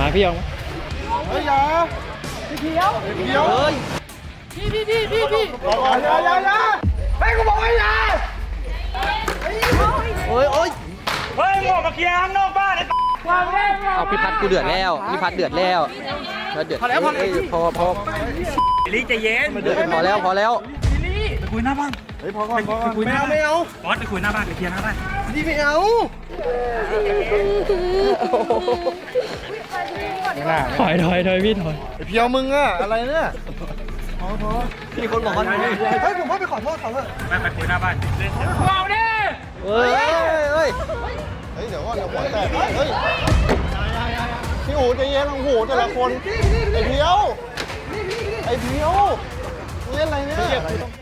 มาพี่ยองเฮ้ยอย่าพี่เขียวเฮ้ยพี่อย่าให้กูบอกว่าอย่าโอ้ยเฮ้ยงอกมาเคลียร์ข้างนอกบ้านไอ้เอาพี่พัดกูเดือดแล้วพี่พัดเดือดแล้วเดือดพอลิงใจเย็นพอแล้วไปคุยหน้าบ้านเฮ้ยพอก่อนคุยไม่เอาบอสไปคุยหน้าบ้านไปเคลียร์หน้าบ้านพี่ไม่เอาถอยพี่ถอยไอเพียวมึงอะอะไรเนี่ยพอพี่คนบอกว่าเฮ้ยผมว่าไปขอโทษเขาเถอะไปคุยหน้าบ้านว้าวเนี่ยเฮ้ยเดี๋ยวว่าเดี๋ยวหัวแตกเฮ้ยพี่อู๋ใจเย็นโอ้โหแต่ละคนไอเพียวเล่นอะไรเนี่ย